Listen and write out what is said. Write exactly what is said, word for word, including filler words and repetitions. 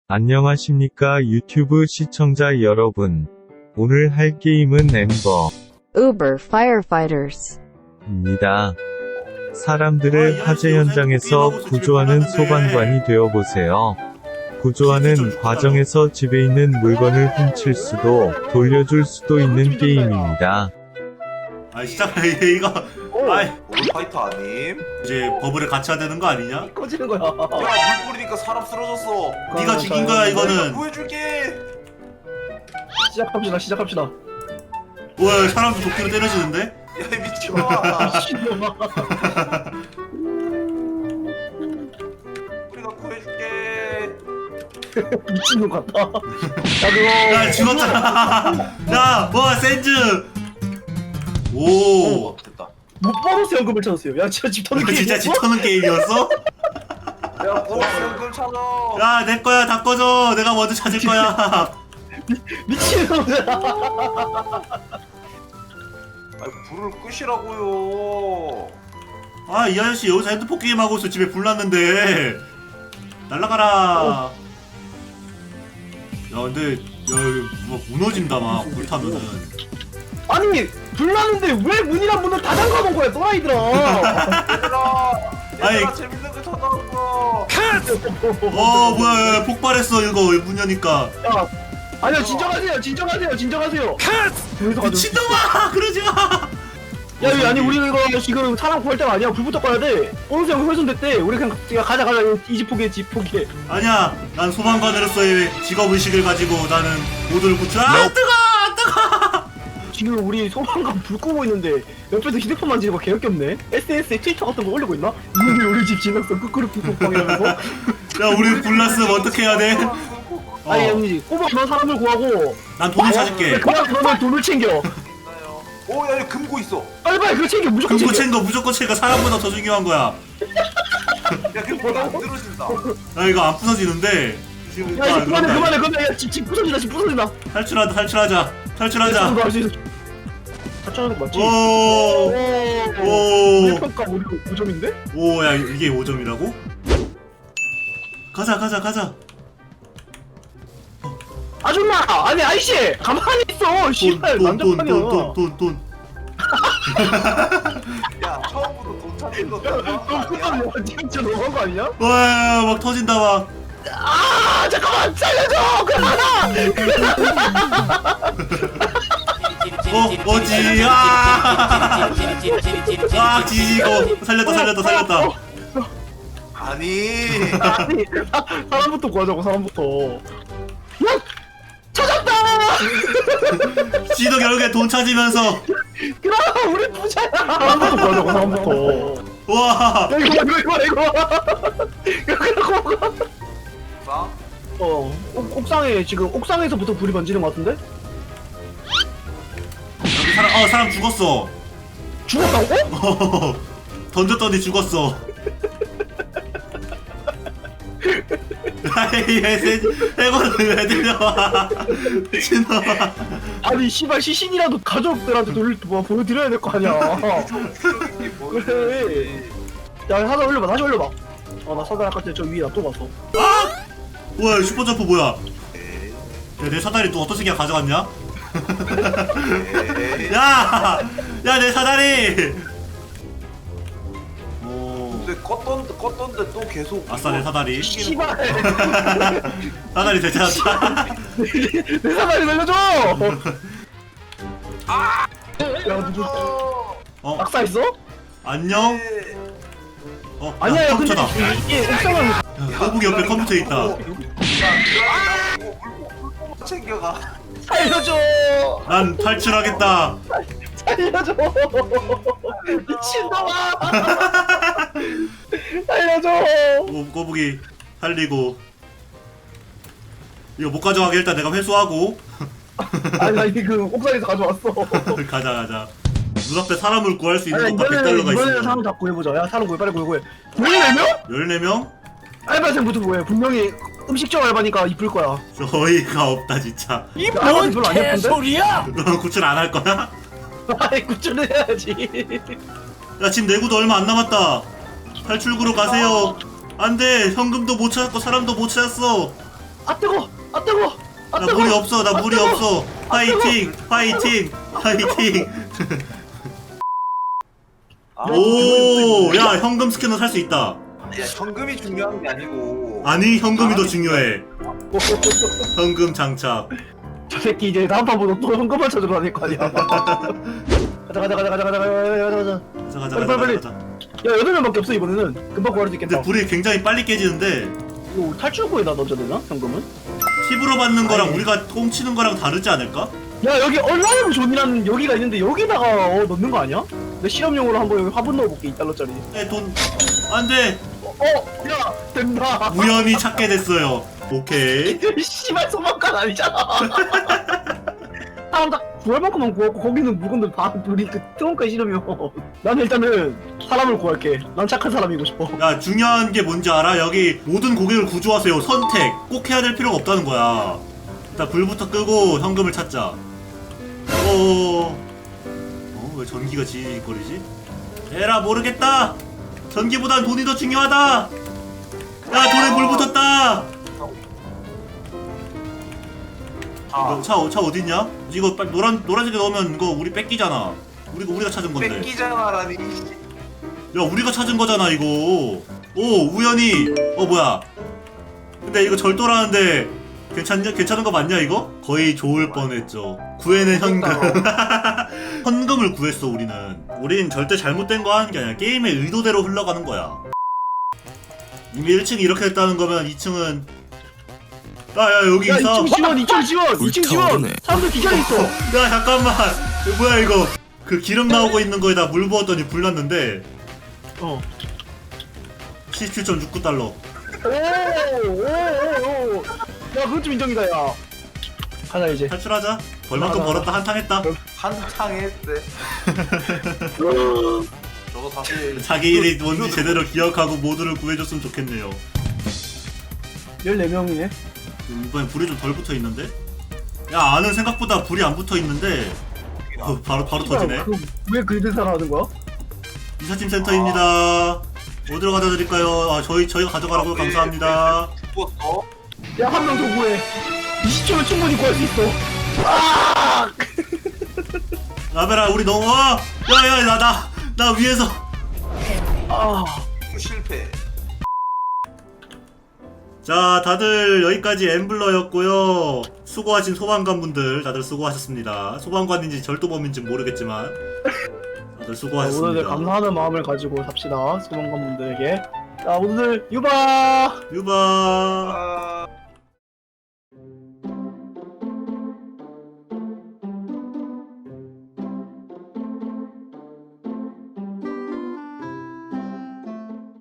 안녕하십니까 유튜브 시청자 여러분. 오늘 할 게임은 엠버 Uber Firefighters. 입니다. 사람들을 화재 현장에서 구조하는 소방관이 되어보세요. 구조하는 과정에서 집에 있는 물건을 훔칠 수도 돌려줄 수도 있는 게임입니다. 아 진짜 이거 아이 오늘 파이터 아님? 이제 버블에 갇혀야 되는 거 아니냐? 꺼지는 거야. 야, 물 뿌리니까 사람 쓰러졌어. 네가 죽인 거야 내가 이거는. 구해줄게. 시작합시다. 시작합시다. 와 사람도 도끼로 때려주는데? 야, 이 미친놈아. 미친놈아. 우리가 구해줄게. 미친놈 같다. 야 야 그거. 죽었잖아. 야뭐 센즈. 오. 어, 됐다. 못 보너스 연금을 찾았어요. 야 진짜 집 터는 게 진짜 집 터는 게임이었어? 야, 보너스 연금 찾아. 야 내 거야 다 꺼져. 내가 먼저 찾을 거야. 미친놈들아. 아니, 불을 끄시라고요. 아 이 아저씨 여기서 핸드폰 게임 하고 있어. 집에 불 났는데. 날라가라. 야 근데 야 뭐 무너진다 막 불 타면은. 아니 불나는데 왜 문이랑 문을 다 잠가놓은 거야 또라이들아. 얘들아, 아이. 얘들아 재밌는 거 찾아왔어. 어 뭐야 야, 폭발했어 이거 문 여니까. 야, 아니요 진정하세요. 진정하세요. 진정하세요. 미친놈아 그러지 마. 야, 야, 아니 우리 이거 지금 사람 구할 때가 아니야. 불부터 꺼야 돼. 보너스 연금 훼손됐대. 우리 그냥 그냥 가자 가자. 이 집 포기해. 집 포기해. 아니야 난 소방관으로서의 직업의식을 가지고 나는 모두를 구출. 아 뜨거 뜨거. 지금 우리 소방관 불 끄고 있는데 옆에서 휴대폰 만지는 거 개역겹네. 에스엔에스에 트위터 같은 거 올리고 있나? 이놈이 우리 집 지났어. 끄끄르 꾹꾹방이라면서. 야 우리 불났으면 어떻게 해야 돼? 어, 아니 아니지. 꼬박 너 사람을 구하고. 난 돈을 찾을게. 그만 그러면 돈을 챙겨. 있나요? 오, 야, 여기 금고 있어. 빨리 빨리 그거 챙겨. 무조건 금고 챙겨. 챙거 무조건 챙거. 사람보다 더 중요한 거야. 야, 금고 안 들어진다. 나 이거 안 부서지는데. 지금 야 아, 이제 그만해 그런다. 그만해 그만해. 야, 집, 집 부서진다. 집 부서진다. 탈출하자 탈출하자 탈출하자. 할수 있어. 탈출하는 거 맞지? 오. 오. 평가 우리 오 점인데? 오, 야 이게 오 점이라고? 가자 가자 가자. 아줌마! 아니 아이씨! 가만히 있어! 씨발 난장판이야. 돈돈돈돈돈 돈. 야, 처음부터 돈 찾는 거 너 너무한 거 아니야? 진짜 너무한 거 아니야? 와, 막 터진다 막. 아 잠깐만 살려줘! 그만아! 어, 뭐지? 아! 아, 지지고 살렸다 살렸다 살렸다. 아니. 아니 사- 사람부터 구하자고 사람부터. 야! 찾았다! 지도 결국에 돈 찾으면서. 그럼 우리 부자야! 사람부터 구하자고 사람부터. 와. 야 이거 이거 이거 이거. 야 그러고 싸? 어 옥, 옥상에 지금 옥상에서부터 불이 번지는 것 같은데? 여기 사람 어 사람 죽었어. 죽었다고? 던졌더니 죽었어. 아이 해골을 왜 들려와? 미친놈아. 아니 씨발 시신이라도 가족들한테 돌 뭐 보여드려야 될 거 아니야. 그래. 야 사다 올려봐 다시 올려봐. 아나 사다 아까 저 위에 놔둬 봤어. 아! 뭐야 슈퍼점프 뭐야? 야, 내 사다리 또 어떤 새끼가 가져갔냐? 야! 야 내 사다리! 오. 근데 껐던, 껐던데 또 계속. 아싸 내 사다리. 씨발 사다리 되찾았다. 내 사다리 날려줘. 아! 야 누구 어 악사했어? 안녕? 어 야, 아니야 근데 컴퓨터다. 이게 옥상은 야, 거북이 옆에 컴퓨터 있다. 야, 물고 챙겨가. 살려줘. 난 탈출하겠다. 살려줘. 미친놈아. 살려줘. 거, 거북이 살리고. 이거 못 가져가게 일단 내가 회수하고. 아니 나 이게 그 옥상에서 가져왔어. 가자 가자. 눈앞에 사람을 구할 수 있는 아니, 것만 백 이번에는 달러가 이번에는 사람 있어. 다 구해보자. 야 사람 구해 빨리 구해 구해. 열네 명? 열네 명? 알바생부터 구해. 분명히 음식점 알바니까 이쁠 거야. 어이가 없다 진짜. 이뭔 개소리야? 너 구출 안 할 거야? 아이 구출해야지. 야 지금 내구도 얼마 안 남았다. 탈출구로 가세요. 안돼 현금도 못 찾았고 사람도 못 찾았어. 아 뜨거! 아 뜨거! 아 나 뜨거! 물이 없어 나 아, 물이 뜨거! 없어 파이팅 파이팅 파이팅 아, 오야 현금 스캐너 살 수 있다 야 현금이 중요한 게 아니고. 아니 현금이 더 아, 중요해 현금 장착 저 새끼 이제 다음 판보다 또 현금을 찾으러 다닐 거 아니야. 가자 가자 가자 가자 가자 가자 가자 가자. 가자 가자 빨리, 가자 빨리, 가자 야 여덟 명밖에 없어 이번에는. 금방 구할 수 있겠다. 근데 불이 굉장히 빨리 깨지는데 이거 탈출구에다 넣어줘야 되나 현금은? 팁으로 받는 거랑 아니. 우리가 꽁치는 거랑 다르지 않을까? 야 여기 얼라이브 존이라는 여기가 있는데 여기다가 어, 넣는 거 아니야? 내 실험용으로 한번 여기 화분 넣어볼게 이 달러짜리. 에돈 안돼 어, 어, 야 된다. 우연히 찾게 됐어요 오케이 이 씨발 소방관 아니잖아. 사람 딱 구할 만큼만 구하고 거기는 물건들 다 우리 그 트렁크에 실으면 나는 일단은 사람을 구할게. 난 착한 사람이고 싶어. 야 중요한 게 뭔지 알아? 여기 모든 고객을 구조하세요 선택 꼭 해야 될 필요가 없다는 거야 일단 불부터 끄고 현금을 찾자 어왜 어, 전기가 지거리지? 에라 모르겠다 전기보단 돈이 더 중요하다 야 돈에 불 붙었다 아, 차, 차 어딨냐? 이거 빨리 노란, 노란색에 넣으면 이거 우리 뺏기잖아 우리가 우리가 찾은 건데 뺏기잖아라니. 야 우리가 찾은 거잖아 이거 오 우연히 어 뭐야 근데 이거 절도라는데 괜찮냐? 괜찮은 거 맞냐 이거? 거의 좋을 뻔했죠 구해낸 현금 현금을 구했어 우리는 우린 절대 잘못된 거 하는 게 아니야 게임의 의도대로 흘러가는 거야 이미 일 층이 이렇게 됐다는 거면 이 층은 야야 여기 야 있어 이 층 지원 이 층 지원 이 층 지원. 사람들 기절해 있어. 야 잠깐만 이거 뭐야 이거 그 기름 나오고 있는 거에다 물 부었더니 불 났는데 어. 십칠 점 육구 달러 오오오오. 야 그건 좀 인정이다 야. 가자 이제. 탈출하자 벌만큼 나, 나, 벌었다 한탕 했다 한창 했대. 저거 사실 자기 일이 뭔지 제대로 기억하고 모두를 구해줬으면 좋겠네요 열네 명이네. 이번엔 불이 좀 덜 붙어있는데? 야 아는 생각보다 불이 안 붙어있는데 어, 바로 바로 터지네 왜 그들 살아하는 거야? 이삿짐 센터입니다 어디로 가져다 드릴까요? 아 저희 저희가 가져가라고 감사합니다 죽었어. 야 한 명 더 구해. 이십 초면 충분히 구할 수 있어. 아! 라베라 우리 너무 와! 야야 나 나 나 위에서 아. 실패. 자 다들 여기까지 엠블러였고요 수고하신 소방관분들 다들 수고하셨습니다 소방관인지 절도범인지 모르겠지만 다들 수고하셨습니다 오늘 감사하는 마음을 가지고 삽시다 소방관분들에게. 자 오늘 유바. 유바 아.